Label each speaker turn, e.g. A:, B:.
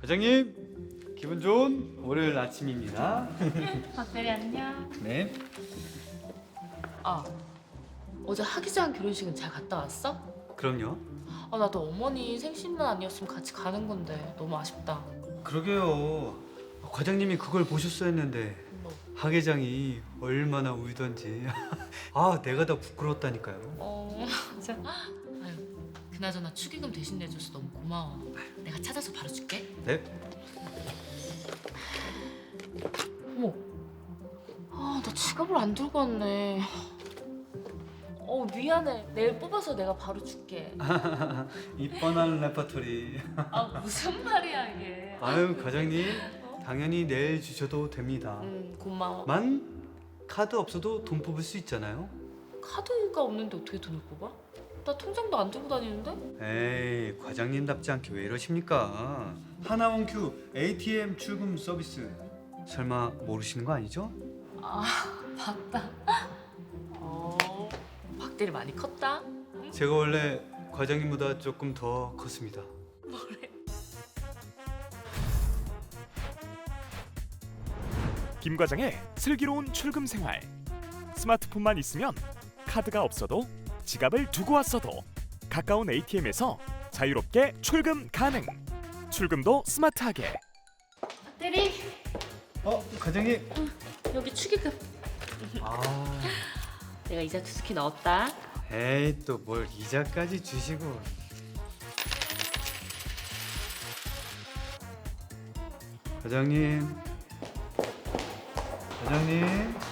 A: 과장님, 기분 좋은 월요일 아침입니다.
B: 박대리 안녕.
A: 네.
B: 아, 어제 하기자한 결혼식은 잘 갔다 왔어?
A: 그럼요.
B: 아, 나도 어머니 생신만 아니었으면 같이 가는 건데 너무 아쉽다.
A: 그러게요. 과장님이 그걸 보셨어야 했는데
B: 뭐,
A: 하계장이 얼마나 울던지. 아, 내가 더 부끄러웠다니까요.
B: 진짜. 아유, 그나저나 축의금 대신 내줘서 너무 고마워. 내가 찾아서 바로 줄게.
A: 네?
B: 어머, 나 지갑을 안 들고 왔네. 미안해. 내일 뽑아서 내가 바로 줄게.
A: 이 뻔한 레퍼토리.
B: 무슨 말이야 이게.
A: 아유, 과장님, 당연히 내일 주셔도 됩니다.
B: 고마워.
A: 만 카드 없어도 돈 뽑을 수 있잖아요.
B: 카드가 없는데 어떻게 돈을 뽑아? 나 통장도 안 들고 다니는데?
A: 에이, 과장님답지 않게 왜 이러십니까? 하나원큐 ATM 출금 서비스 설마 모르시는 거 아니죠?
B: 맞다. 박대리 많이 컸다.
A: 제가 원래 과장님보다 조금 더 컸습니다.
C: 김 과장의 슬기로운 출금 생활. 스마트폰만 있으면 카드가 없어도 지갑을 두고 왔어도 가까운 ATM에서 자유롭게 출금 가능. 출금도 스마트하게.
B: 박대리,
A: 과장님.
B: 여기 축의금. 내가 이자 두둑히 넣었다.
A: 에이, 또 뭘 이자까지 주시고. 과장님. 과장님.